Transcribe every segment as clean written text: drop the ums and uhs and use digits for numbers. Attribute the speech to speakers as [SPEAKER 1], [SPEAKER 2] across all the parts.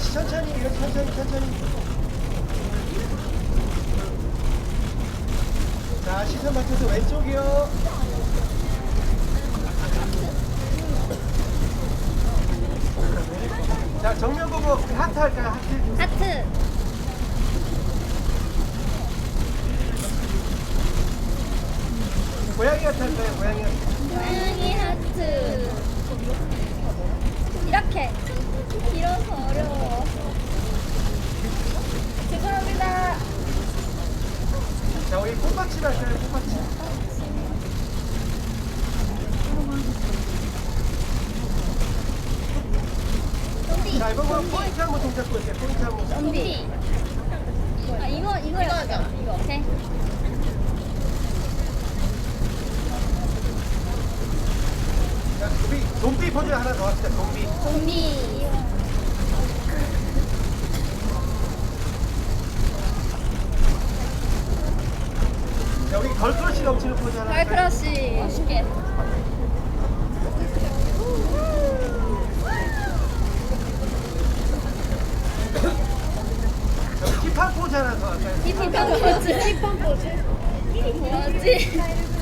[SPEAKER 1] 다시 천천히, 이렇게 천천히. 자, 시선 맞춰서 왼쪽이요. 자, 정면 보고 하트 할까요? 하트.
[SPEAKER 2] 하트.
[SPEAKER 1] 고양이 하트 할까요? 고양이 하트.
[SPEAKER 2] 고양이 하트. 이렇게. 길어서 어려워. 죄송합니다.
[SPEAKER 1] 자, 우리 꽃받침 할까요? 꽃받침.
[SPEAKER 2] 좀비.
[SPEAKER 1] 자, 이번 포인트 한번 동작 보여주세요. 포인트 한번.
[SPEAKER 2] 좀비. 아, 이거 하자. 이거. 오케이.
[SPEAKER 1] 자, 좀비 포즈 하나 더 합시다. 좀비.
[SPEAKER 2] 좀비.
[SPEAKER 1] 자, 우리 걸크러쉬 넘치는 포즈 하나. 할까요?
[SPEAKER 2] 걸크러쉬. 멋있게.
[SPEAKER 1] 자, 우리 힙합 포즈 하나 더 할까요?
[SPEAKER 2] 힙합 포즈. 힙합 포즈. 뭐지?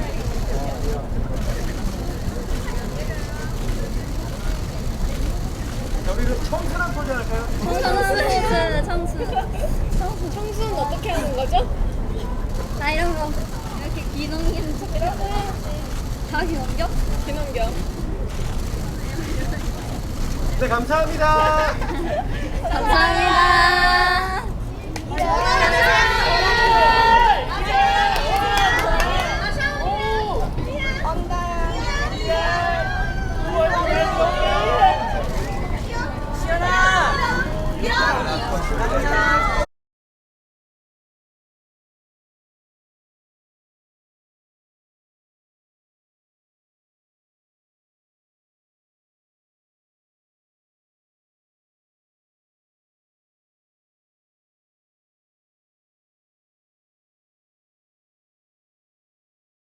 [SPEAKER 1] 자, 우리 청순한 포즈 할까요?
[SPEAKER 2] 청순 포즈. 청순 어떻게 하는 거죠? 나 이런 거 이렇게 귀 넘기는 척. 이런 거 해야지. 다 귀 넘겨? 귀 넘겨.
[SPEAKER 1] 네, 감사합니다.
[SPEAKER 2] 감사합니다.